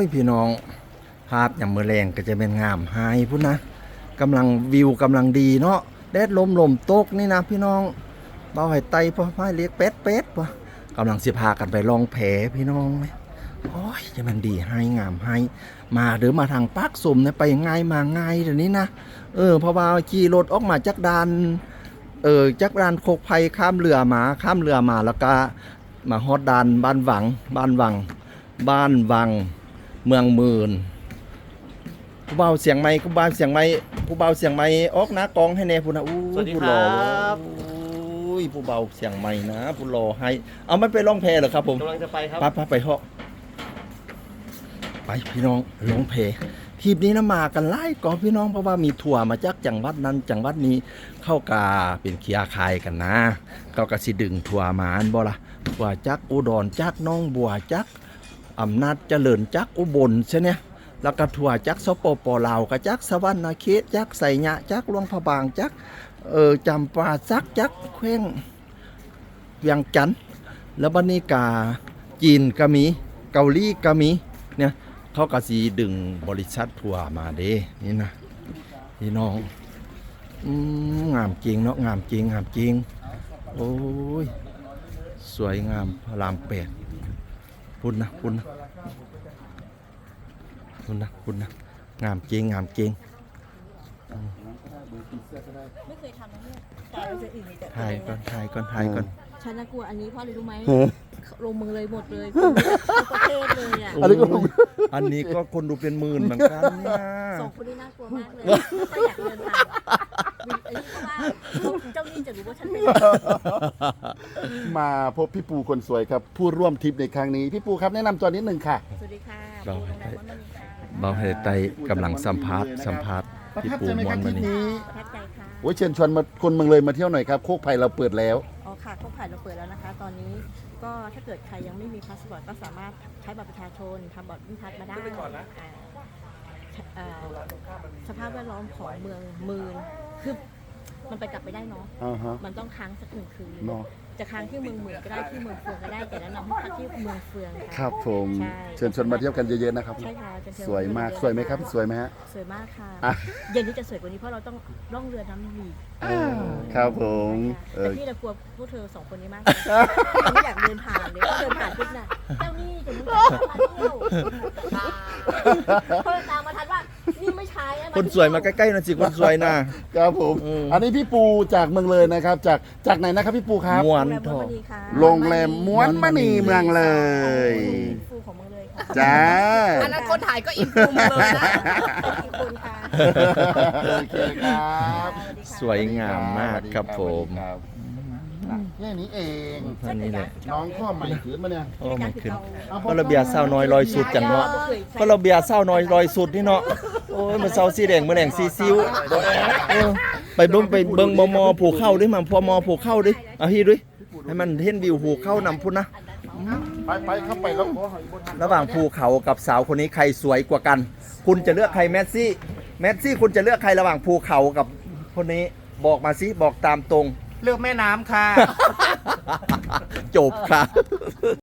ยพี่น้องภาพอย่างเมื่อแรงก็จะเป็นงามหายพุ่นนะกำลังวิวกำลังดีเนาะแดดลมตกนี่นะพี่น้องเบาให้ไตพ่อให้เรียกเป็ดวะกำลังสิพากันไปลองแผลพี่น้องไหมโอ้ยจะมันดีให้งามให้มาหรือมาทางปากสมเนี่ยไปง่ายมาง่ายเดี๋ยวนี้นะเพราะว่าขี่รถออกมาจากด่านจากด่านโคกไผ่ข้ามเรือมาแล้วก็มาฮอดด่านบ้านวังเมืองหมื่นผู้เบาเสียงไม้ผู้เบาเสียงไม้ออกนะกองให้แน่พูนะอู้สวัสดีผู้ครรัอบ อู้ยผู้เบาเสียงไม้นะผู้รอให้เอาไม่ไปร้องเพลเหรอครับผมกำลังจะไปครับไปเหาะไปพี่น้องร้องเพลทีมนี้นะมากันไล่ก่อนพี่น้องเพราะว่ามีทัวร์มาจากจังหวัดนั้นจังหวัดนี้เข้ากาเป็นเคลียร์คายกันนะเขาก็สิดึงทัวร์มาอันบ่ล่ะทัวร์จากอุดรจากน้องบัวจากอำนาจเจริญจากอุบลใช่เนี่ยแล้วก็ทัวร์จากสปปลาวก็จากสวรรณเขตจากไสยะจากหลวงพระบางจากจำปาสักจากแขวงเวียงจันทน์แล้วบัดนี้กาจีนก็มีเกาหลีก็มีเนี่ยเขาก็สิดึงบริษัททัวร์มาเด้นี่นะพี่น้องงามจริงเนาะงามจริงโอ้ยสวยงามพระราม8พุ่นนะงามจริงไม่เคยทำนะเนี่ยแต่เราจะอื่นมีแต่ถ่ายก่อนฉันน่ากลัวอันนี้เพราะอะไรรู้ไหมลงมือเลยหมดเลยคนประเทศเลยอ่ะอันนี้ก็คนดูเป็นหมื่นเหมือนกันเนี่ยสองคนนี้น่ากลัวมากเลยไม่อยากเดินทางอันนี้เพราะว่าเจ้าหนี้จะรู้ว่าฉันเป็นมาพบพี่ปูคนสวยครับผู้ร่วมทริปในครั้งนี้พี่ปูครับแนะนำตัวนิดหนึ่งค่ะสวัสดีค่ะปูโรงแรมวัดมณีค่ะเบาให้ไตกำลังสัมภาษณ์ประพี่ทับปูใจไหมมคว รันบทวัรินปนี้นี้ประทับใจค่ะโอ้ยเชิญชวนมาคนเมืองเลยมาเที่ยวหน่อยครับโคกไผ่เราเปิดแล้วอ๋อค่ะครบผ่านเราเปิดแล้วนะคะ ตอนนี้ก็ถ้าเกิดใครยังไม่มีพาสปอร์ตก็สามารถใช้บัตรประชาชนทำบัตรวิ่งพัดมาได้สภาพแวดล้อมของเมืองมืนคือมันไปกลับไปได้เนาะอ่าฮะมันต้องค้างสัก1 คืนเนาะจะค้างที่เมืองหมื่นก็ได้ที่เมืองเฟืองก็ได้แต่แนะนำให้พักที่เมืองเฟืองค่ะครับผมใช่เชิญชวนมาเที่ยวกันเยอะๆนะครับใช่ค่ะจะเชิญสวยมากสวยไหมครับสวยไหมฮะสวยมากค่ะอ่ะเย็นนี้จะสวยกว่านี้เพราะเราต้องล่องเรือน้ำมีครับผมเอแต่อพี่เรากลัวพวกเธอ2 คนนี้มากเลยไม่อยากเดินผ่านเลยเพราะเดินผ่านปุ๊บน่ะเจ้านี่จะรู้จักมาเที่ยวเพราะตามมาทันว่านี่ไม่ใช่อะคนสวยมาใกล้ๆหนะสิคนสวยนะครับผมอืมอันนี้พี่ปูจากเมืองเลยนะครับ จากไหนนะครับพี่ปูครับม้วนโรงแรมทม้อวนมณีค่ะโรงแรมม้วนมณีเมืองเลยฟูของเมืองเลยค่ะจ้าอันนั้นคนถ่ายก็อินฟูมเลยนะอีกคนค่ะโอเคครับสวยงามมากครับผมครับแค่นี้เองท่านนี้แหละน้องข้อใหม่ขืนมาเนี่ยโอ้มันขึ้นเพราะระเบียบเศร้าน้อยลอยสุดจังเนาะเพราะระเบียบเศร้าน้อยลอยสุดนี่เนาะโอ้ยมันเศร้าสีแดงมันแดงสีซิวไปเบิ่งมอผูเข้าดิมันพอมอผูเข้าดิเอาฮีด้วยให้มันเห็นวิวผูเข้านำพุ่นนะไปเข้าไปแล้วระหว่างภูเขากับสาวคนนี้ใครสวยกว่ากัน คุณจะเลือกใครแมสซี่คุณจะเลือกใครระหว่างภูเขากับคนนี้บอกมาสิบอกตามตรงเลือกแม่น้ำค่ะจบค่ะ